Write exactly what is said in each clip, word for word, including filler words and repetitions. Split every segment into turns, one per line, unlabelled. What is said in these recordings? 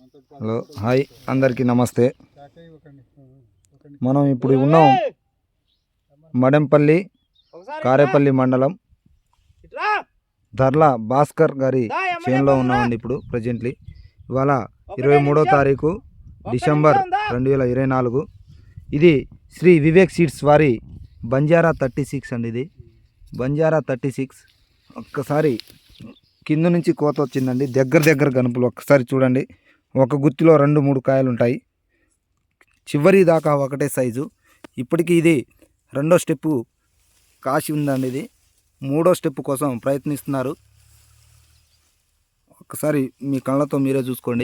Hello hi అందరికీ నమస్తే. మనం ఇప్పుడు ఉన్నాం మడెంపల్లి కారేపల్లి మండలం ధర్ల భాస్కర్ గారి చేనులో ఉన్నామండి. ఇప్పుడు ప్రజెంట్లీ ఇవాళ ఇరవై మూడో తారీఖు డిసెంబర్ రెండు వేల ఇరవై నాలుగు. ఇది శ్రీ వివేక్ సీడ్స్ వారి బంజారా థర్టీ సిక్స్ అండి. ఇది బంజారా థర్టీ సిక్స్. ఒక్కసారి కింద నుంచి కోత వచ్చిందండి. దగ్గర దగ్గర గనుపులు ఒక్కసారి చూడండి. ఒక గుత్తిలో రెండు మూడు కాయలు ఉంటాయి. చివరి దాకా ఒకటే సైజు. ఇప్పటికీ ఇది రెండో స్టెప్పు కాసి ఉందండి. ఇది మూడో స్టెప్ కోసం ప్రయత్నిస్తున్నారు. ఒక్కసారి మీ కళ్ళతో మీరే చూసుకోండి.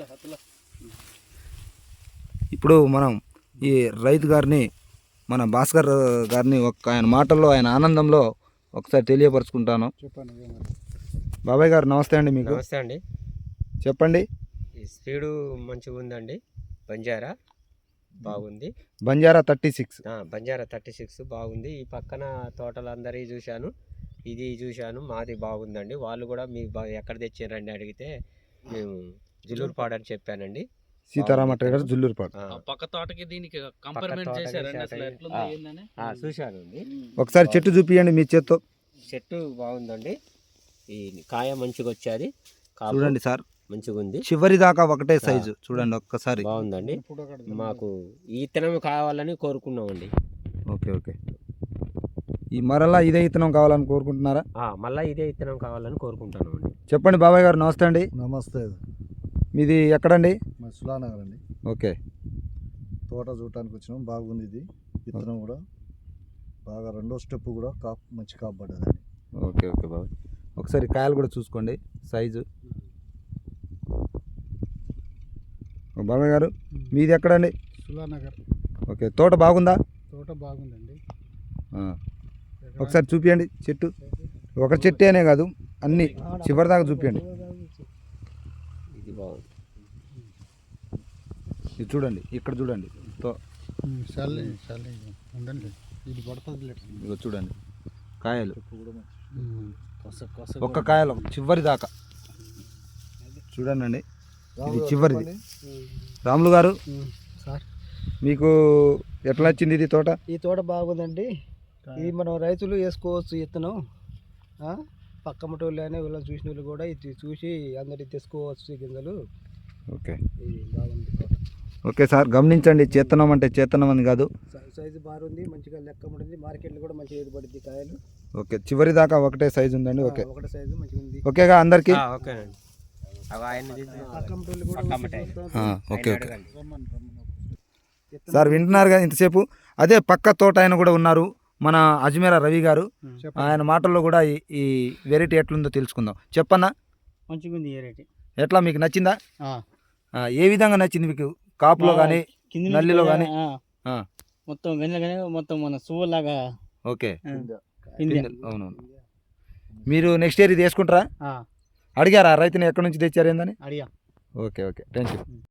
ఇప్పుడు మనం ఈ రైతు గారిని, మన భాస్కర్ గారిని ఒక ఆయన మాటల్లో, ఆయన ఆనందంలో ఒకసారి తెలియపరుచుకుంటాను. బాబాయ్ గారు నమస్తే అండి. మీకు
నమస్తే అండి.
చెప్పండి.
ఈ స్పీడు మంచిగా ఉందండి. బంజారా బాగుంది.
Banjara thirty six
Banjara thirty six బాగుంది. ఈ పక్కన తోటలందరి చూశాను, ఇది చూశాను, మాది బాగుందండి. వాళ్ళు కూడా మీ ఎక్కడ తెచ్చారండి అడిగితే మేము జుల్లూరుపాడు అని చెప్పానండి.
సీతారామ ట్రేడర్స్ జుల్లూరుపాడు.
పక్క తోటకి దీనికి కంపేర్మెంట్ చేశారండి. అసలు ఎట్లుంది ఏందని
చూశాను.
ఒకసారి చెట్టు చూపియండి మీ చేత్తో.
చెట్టు బాగుందండి. ఈ కాయ మంచిగా వచ్చేది.
చూడండి సార్,
మంచిగా ఉంది.
చివరి దాకా ఒకటే సైజు చూడండి. ఒక్కసారి
బాగుందండి. మాకు ఈ ఇత్తనం కావాలని కోరుకున్నామండి.
Okay okay. ఈ మరలా ఇదే ఇత్తనం కావాలని కోరుకుంటున్నారా?
మళ్ళీ ఇదే ఇత్తనం కావాలని కోరుకుంటున్నామండి.
చెప్పండి బాబాయ్ గారు. నమస్తే అండి.
నమస్తే.
మీది ఎక్కడండి?
మా సులానగర్ అండి.
ఓకే.
తోట చూడటానికి వచ్చినాం. బాగుంది. ఇది విత్తనం కూడా బాగా రెండో స్టెప్ కూడా కాపు మంచి కాపాడదండి.
ఓకే ఓకే బాబాయ్. ఒకసారి కాయలు కూడా చూసుకోండి సైజు. బాబాయ్ గారు మీది ఎక్కడండి?
సులానగర్.
ఓకే. తోట బాగుందా?
తోట బాగుందండి.
ఒకసారి చూపించండి చెట్టు. ఒక చెట్టు అనే కాదు, అన్ని చివరి దాకా చూపించండి.
ఇది బాగుంది.
ఇది చూడండి, ఇక్కడ చూడండి. ఇదిగో చూడండి కాయలు, ఒక్క కాయలు చివరి దాకా చూడండి. ఇది చివరిది. రాములు గారు మీకు ఎట్లా వచ్చింది ఇది తోట?
ఈ తోట బాగుందండి. ఇది మనం రైతులు వేసుకోవచ్చు ఇత్తనం. పక్క మటోళ్ళు అయినా వీళ్ళని చూసిన వాళ్ళు కూడా ఇది చూసి అందరికి తెచ్చుకోవచ్చు గింజలు.
ఓకే.
ఇది బాగుంది తోట.
ఓకే సార్, గమనించండి. చేతనం అంటే చేతనం అని కాదు,
సైజు బాగుంది, మంచిగా లెక్క ఉంటుంది. మార్కెట్లో కూడా మంచిగా ఇది పడుద్ది కాయలు.
ఓకే. చివరి దాకా ఒకటే సైజు ఉందండి. ఓకే.
ఒకటే సైజు మంచిగా ఉంది.
ఓకేగా అందరికి?
ఓకే
ఓకే ఓకే సార్, వింటున్నారు కదా ఇంతసేపు. అదే పక్క తోట ఆయన కూడా ఉన్నారు, మన అజ్మీరా రవి గారు. ఆయన మాటల్లో కూడా ఈ వెరైటీ ఎట్లుందో తెలుసుకుందాం. చెప్పన్నా.
మంచిగా ఉంది వెరైటీ.
ఎట్లా మీకు నచ్చిందా? ఏ విధంగా నచ్చింది మీకు? కాపులో కానీ నల్లిలో కానీ?
మొత్తం వెనకనే మొత్తం మన సువ్వులాగా.
ఓకే. అవునవును. మీరు నెక్స్ట్ ఇయర్ ఇది వేసుకుంటారా? అడిగారా రైతుని ఎక్కడి నుంచి తెచ్చారు ఏందని?
అడిగా.
Okay okay. Thank you.